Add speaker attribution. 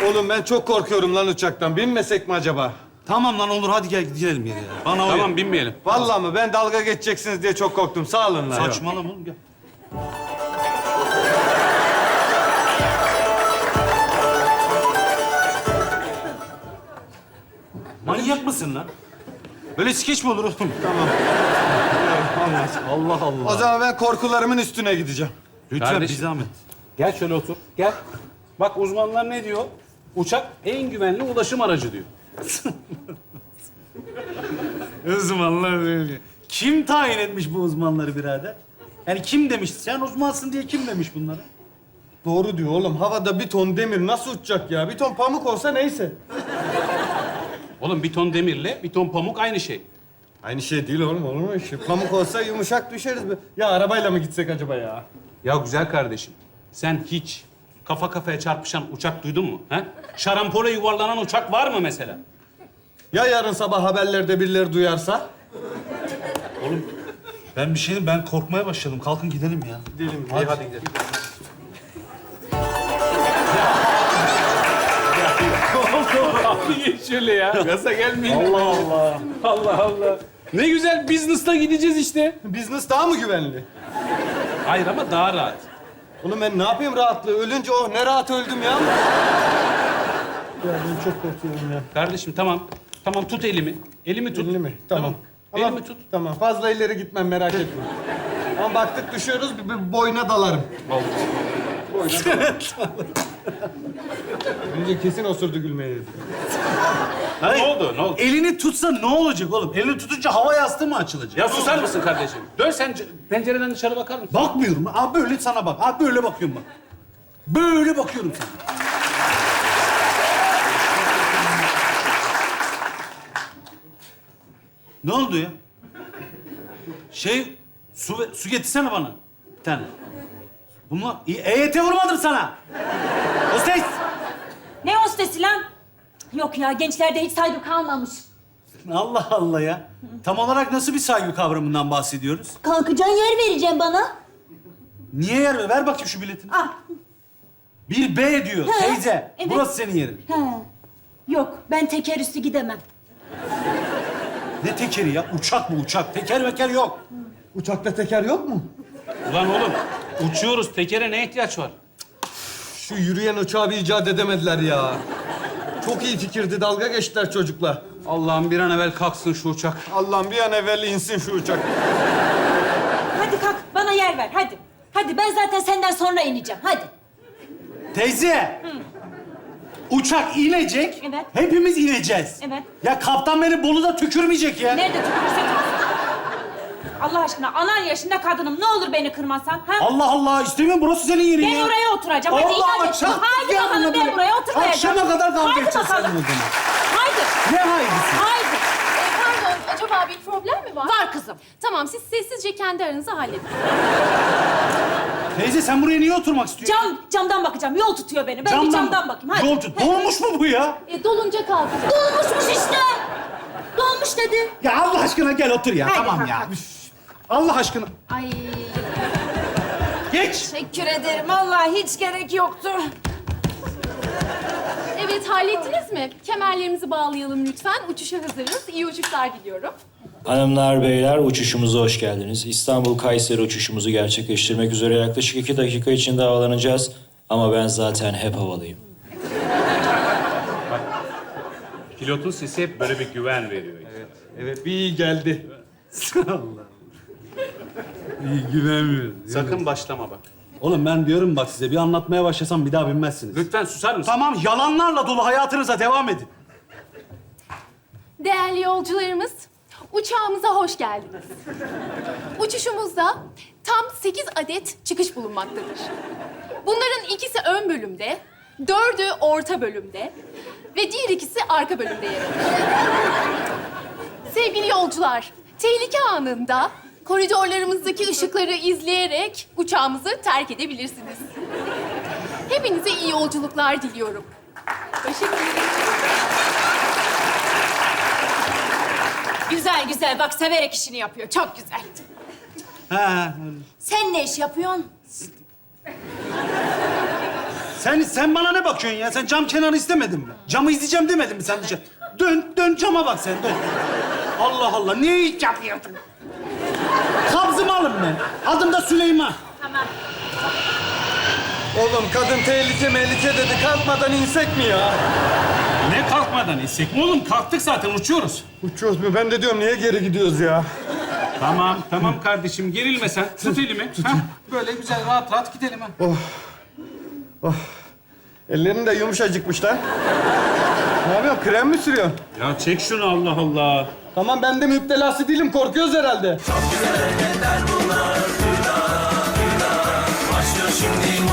Speaker 1: Oğlum ben çok korkuyorum lan uçaktan. Binmesek mi acaba?
Speaker 2: Tamam lan olur hadi gel gidelim yere ya. Bana
Speaker 3: Tamam
Speaker 2: uyar.
Speaker 3: binmeyelim.
Speaker 1: Vallahi mı? Ben dalga geçeceksiniz diye çok korktum. Sağ olun lan.
Speaker 2: Saçmalama oğlum gel. Manyak mısın lan? Böyle skeç mi olur oğlum?
Speaker 1: Tamam.
Speaker 2: Allah Allah.
Speaker 1: O zaman ben korkularımın üstüne gideceğim.
Speaker 2: Lütfen
Speaker 3: Kardeşim.
Speaker 2: bir zahmet.
Speaker 3: Gel şöyle otur. Gel. Bak uzmanlar ne diyor? Uçak en güvenli ulaşım aracı diyor.
Speaker 2: Uzmanlar öyle. Kim tayin etmiş bu uzmanları birader? Yani kim demiş? Sen uzmansın diye kim demiş bunları?
Speaker 1: Doğru diyor oğlum. Havada bir ton demir nasıl uçacak ya? Bir ton pamuk olsa neyse.
Speaker 3: Oğlum bir ton demirle bir ton pamuk aynı şey.
Speaker 1: Aynı şey değil oğlum, olur mu? Pamuk olsa yumuşak düşeriz. Ya arabayla mı gitsek acaba ya?
Speaker 3: Ya güzel kardeşim, sen hiç kafa kafaya çarpışan uçak duydun mu? He? Şarampole yuvarlanan uçak var mı mesela?
Speaker 1: Ya yarın sabah haberlerde birileri duyarsa?
Speaker 2: Ben bir şeyim, ben korkmaya başladım. Kalkın gidelim ya.
Speaker 1: Gidelim.
Speaker 3: Hadi gidelim. Abi geç şöyle ya. Gaza gelmeyin.
Speaker 2: Allah Allah.
Speaker 3: Allah Allah. Ne güzel business'ta gideceğiz işte.
Speaker 1: Business daha mı güvenli?
Speaker 3: Hayır ama daha rahat.
Speaker 1: Oğlum ben ne yapayım rahatlığı? Ölünce oh ne rahat öldüm ya. Ya ben çok korkuyorum ya.
Speaker 3: Kardeşim tamam. Tamam tut elimi. Elimi tut.
Speaker 1: Elini mi? Tamam.
Speaker 3: Elimi tut.
Speaker 1: Tamam fazla ileri gitmem merak etme. Ama baktık düşüyoruz bir boyuna dalarım.
Speaker 3: Oldu.
Speaker 1: Önce kesin osurdu gülmeye.
Speaker 2: Hayır.
Speaker 3: Ne oldu? Ne oldu?
Speaker 2: Elini tutsa ne olacak oğlum? Elini tutunca hava yastığı mı açılacak?
Speaker 3: Ya susar mısın kardeşim? Dön sen pencereden dışarı bakar mısın?
Speaker 2: Bakmıyorum. Abi böyle sana bak. Abi böyle bakıyorum bak. Böyle bakıyorum sana. Ne oldu ya? Su getirsene bana. Bir tane. Bunlar EYT vurmadım sana. Hostes.
Speaker 4: Ne hostesi lan? Yok ya, gençlerde hiç saygı kalmamış.
Speaker 2: Allah Allah ya. Tam olarak nasıl bir saygı kavramından bahsediyoruz?
Speaker 4: Kalkacaksın, yer vereceğim bana.
Speaker 2: Niye yer ver? Ver bakayım şu biletini.
Speaker 4: Ah,
Speaker 2: Bir B diyor
Speaker 4: He,
Speaker 2: teyze.
Speaker 4: evet.
Speaker 2: Burası senin yerin.
Speaker 4: he. Yok, ben teker üstü gidemem.
Speaker 2: Ne tekeri ya? Uçak bu uçak. Teker meker yok.
Speaker 1: Uçakta teker yok mu?
Speaker 3: Ulan oğlum uçuyoruz. Tekere ne ihtiyaç var?
Speaker 1: Şu yürüyen uçağı bir icat edemediler ya. Çok iyi fikirdi, dalga geçtiler çocukla.
Speaker 3: Allah'ım bir an evvel kalksın şu uçak.
Speaker 1: Allah'ım bir an evvel insin şu uçak.
Speaker 4: Hadi kalk, bana yer ver, hadi. Hadi, ben zaten senden sonra ineceğim, hadi.
Speaker 2: Teyze. Uçak inecek.
Speaker 4: Evet.
Speaker 2: Hepimiz ineceğiz.
Speaker 4: Evet.
Speaker 2: Ya kaptan beni Bolu'da tükürmeyecek ya.
Speaker 4: Nerede tükürürse tükürsün. Allah aşkına, anan yaşında kadınım. Ne olur beni kırmasan, ha?
Speaker 2: Allah Allah istemiyorum burası senin yerin
Speaker 4: Ben
Speaker 2: ya.
Speaker 4: oraya oturacağım. Hadi
Speaker 2: Allah
Speaker 4: inan et.
Speaker 2: akşam
Speaker 4: Haydi
Speaker 2: gel
Speaker 4: bakalım,
Speaker 2: buna
Speaker 4: ben
Speaker 2: böyle.
Speaker 4: buraya oturmayacağım.
Speaker 2: Akşama kadar kavga
Speaker 4: Haydi
Speaker 2: edeceğiz
Speaker 4: bakalım.
Speaker 2: seninle o zaman.
Speaker 4: Haydi.
Speaker 2: Ne haydisi?
Speaker 4: Haydi.
Speaker 5: Pardon, acaba bir problem mi var?
Speaker 4: Var kızım.
Speaker 5: Tamam, siz sessizce kendi aranızda halledin.
Speaker 2: Teyze sen buraya niye oturmak istiyorsun?
Speaker 4: Camdan bakacağım. Yol tutuyor beni. Ben bir camdan bakayım. Hadi.
Speaker 2: Yol tut. Dolmuş mu bu ya?
Speaker 5: Dolunca kalkacağız.
Speaker 4: Dolmuşmuş işte. Dolmuş dedi.
Speaker 2: Ya Allah aşkına gel otur ya.
Speaker 4: Hadi,
Speaker 2: Tamam
Speaker 4: hadi,
Speaker 2: ya.
Speaker 4: hadi.
Speaker 2: Üf. Allah aşkına.
Speaker 5: Ay,
Speaker 2: Geç.
Speaker 4: Teşekkür ederim. Vallahi hiç gerek yoktu.
Speaker 5: evet hallettiniz mi? Kemerlerimizi bağlayalım lütfen. Uçuşa hazırız. İyi uçuşlar diliyorum.
Speaker 6: Hanımlar, beyler uçuşumuza hoş geldiniz. İstanbul-Kayseri uçuşumuzu gerçekleştirmek üzere yaklaşık 2 dakika içinde havalanacağız. Ama ben zaten hep havalıyım.
Speaker 3: Pilotun sesi hep böyle bir güven veriyor.
Speaker 1: Evet, bir iyi geldi.
Speaker 2: İyi güvenmiyorum.
Speaker 3: Sakın başlama bak.
Speaker 2: Oğlum ben diyorum bak size bir anlatmaya başlasam bir daha binmezsiniz.
Speaker 3: Lütfen susar mısın?
Speaker 2: Tamam yalanlarla dolu hayatınıza devam edin.
Speaker 5: Değerli yolcularımız, uçağımıza hoş geldiniz. Uçuşumuzda tam 8 adet çıkış bulunmaktadır. Bunların ikisi ön bölümde, 4'ü orta bölümde ve diğer ikisi arka bölümde yer alır. Sevgili yolcular, tehlike anında koridorlarımızdaki ışıkları izleyerek uçağımızı terk edebilirsiniz. Hepinize iyi yolculuklar diliyorum. Teşekkür ederim.
Speaker 4: Güzel güzel. Bak severek işini yapıyor. Çok güzel.
Speaker 2: Ha,
Speaker 4: Sen ne iş yapıyorsun?
Speaker 2: Sen bana ne bakıyorsun ya? Sen cam kenarı istemedin mi? Camı izleyeceğim demedin mi sen dışarı? Dön cama bak sen, dön. Allah Allah, niye hiç yapmıyorsun? Kabzımı alın ben. Adım da Süleyman.
Speaker 5: Tamam.
Speaker 1: Oğlum kadın tehlike dedi. Kalkmadan insek mi ya?
Speaker 3: Ne kalkmadan insek mi oğlum? Kalktık zaten, uçuyoruz.
Speaker 1: Uçuyoruz mu? Ben de diyorum niye geri gidiyoruz ya?
Speaker 3: Tamam kardeşim, gerilme sen. Tut elimi. Hah, böyle güzel, rahat gidelim ha.
Speaker 1: Ellerin de yumuşacıkmış lan. Ne yapıyorsun? Krem mi sürüyorsun?
Speaker 3: Ya çek şunu, Allah Allah.
Speaker 1: Tamam ben de müptelası değilim. Korkuyoruz herhalde.
Speaker 7: Başlıyor şimdi